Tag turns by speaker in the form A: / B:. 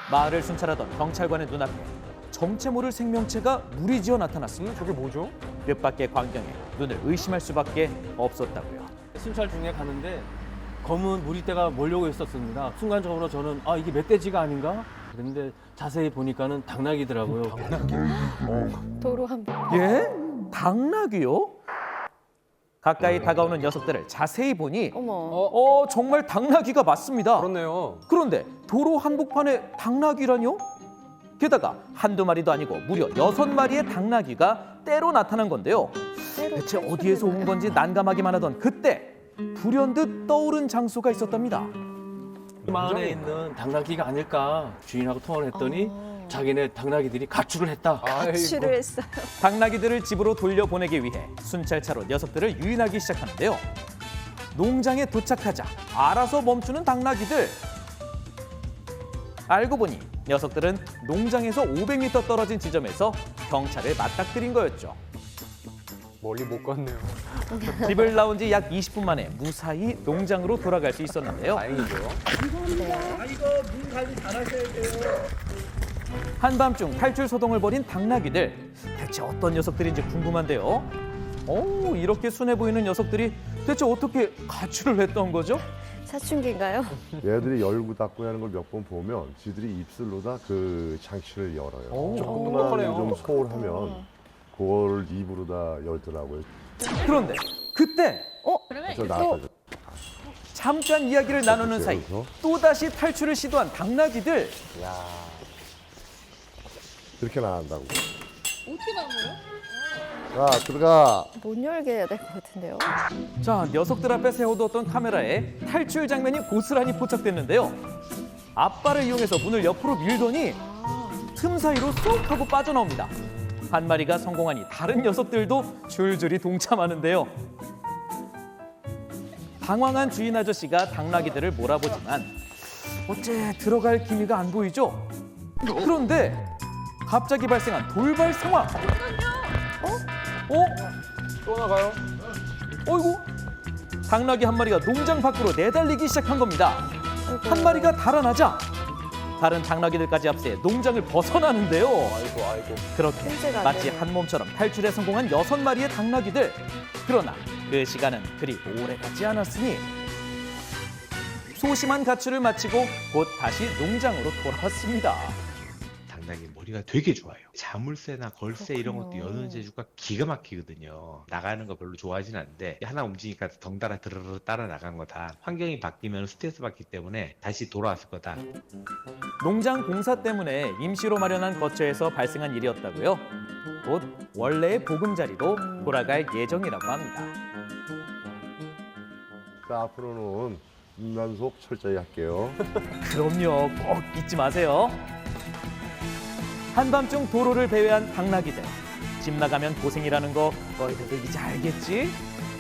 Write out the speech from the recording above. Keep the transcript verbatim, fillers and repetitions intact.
A: 마을을 순찰하던 경찰관의 눈앞에 정체 모를 생명체가 무리지어 나타났습니다.
B: 저게 뭐죠?
A: 뜻밖의 광경에 눈을 의심할 수밖에 없었다고요.
C: 순찰 중에 가는데 검은 무리떼가 몰려오고 있었습니다. 순간적으로 저는 아 이게 멧돼지가 아닌가? 그런데 자세히 보니까는 당나귀더라고요.
D: 도로 한번.
A: 예? 당나귀요? 가까이 다가오는 녀석들을 자세히 보니
D: 어머.
A: 어 정말 당나귀가 맞습니다.
B: 그렇네요.
A: 그런데 도로 한복판에 당나귀라뇨? 게다가 한두 마리도 아니고 무려 여섯 마리의 당나귀가 때로 나타난 건데요. 대체 어디에서 온 건지 난감하기만 하던 그때 불현듯 떠오른 장소가 있었답니다.
C: 마을에 있는 당나귀가 아닐까 주인하고 통화를 했더니
D: 어.
C: 자기네 당나귀들이 가출을 했다.
D: 가출을 했어요.
A: 당나귀들을 집으로 돌려보내기 위해 순찰차로 녀석들을 유인하기 시작하는데요. 농장에 도착하자 알아서 멈추는 당나귀들. 알고 보니 녀석들은 농장에서 오백 미터 떨어진 지점에서 경찰을 맞닥뜨린 거였죠.
B: 멀리 못 갔네요.
A: 집을 나온 지 약 이십 분 만에 무사히 농장으로 돌아갈 수 있었는데요.
B: 다행이죠.
A: 한밤중 탈출 소동을 벌인 당나귀들. 대체 어떤 녀석들인지 궁금한데요. 오, 이렇게 순해 보이는 녀석들이 대체 어떻게 가출을 했던 거죠?
D: 사춘기인가요?
E: 얘들이 열고 닫고 하는 걸 몇 번 보면 지들이 입술로다 그 장치를 열어요.
B: 오, 조금
E: 조금만
B: 똑똑하네요.
E: 좀 소홀하면 그걸 입으로다 열더라고요.
A: 그런데 그때
E: 그래서 나가죠.
A: 잠깐 이야기를 나누는 사이 또다시 탈출을 시도한 당나귀들.
E: 이렇게 나간다고. 어떻게 나가요? 자, 들어가.
D: 못 열게 해야 될 것 같은데요.
A: 자, 녀석들 앞에 세워두었던 카메라에 탈출 장면이 고스란히 포착됐는데요. 앞발을 이용해서 문을 옆으로 밀더니 틈 사이로 쏙 하고 빠져나옵니다. 한 마리가 성공하니 다른 녀석들도 줄줄이 동참하는데요. 당황한 주인 아저씨가 당나귀들을 몰아보지만 어째 들어갈 기미가 안 보이죠? 그런데 갑자기 발생한 돌발 상황. 어? 어?
B: 또 나가요?
A: 어이구, 당나귀 한 마리가 농장 밖으로 내달리기 시작한 겁니다. 한 마리가 달아나자 다른 당나귀들까지 앞세 농장을 벗어나는데요.
B: 아이고, 아이고.
A: 그렇게
D: 통제가 안
A: 마치
D: 되네.
A: 한 몸처럼 탈출에 성공한 여섯 마리의 당나귀들. 그러나 그 시간은 그리 오래 가지 않았으니 소심한 가출을 마치고 곧 다시 농장으로 돌아왔습니다.
F: 당나귀 머리가 되게 좋아요. 자물쇠나 걸쇠 이런 것도
D: 그렇군요.
F: 여는 재주가 기가 막히거든요. 나가는 거 별로 좋아하진 않는데 하나 움직이니까 덩달아 드르르 따라 나간 거다. 환경이 바뀌면 스트레스 받기 때문에 다시 돌아왔을 거다.
A: 농장 공사 때문에 임시로 마련한 거처에서 발생한 일이었다고요. 곧 원래의 보금자리로 돌아갈 예정이라고 합니다.
E: 자, 앞으로는 인간속 철저히 할게요.
A: 그럼요, 꼭 잊지 마세요. 한밤중 도로를 배회한 당나귀들. 집 나가면 고생이라는 거 너희들도 이제 알겠지?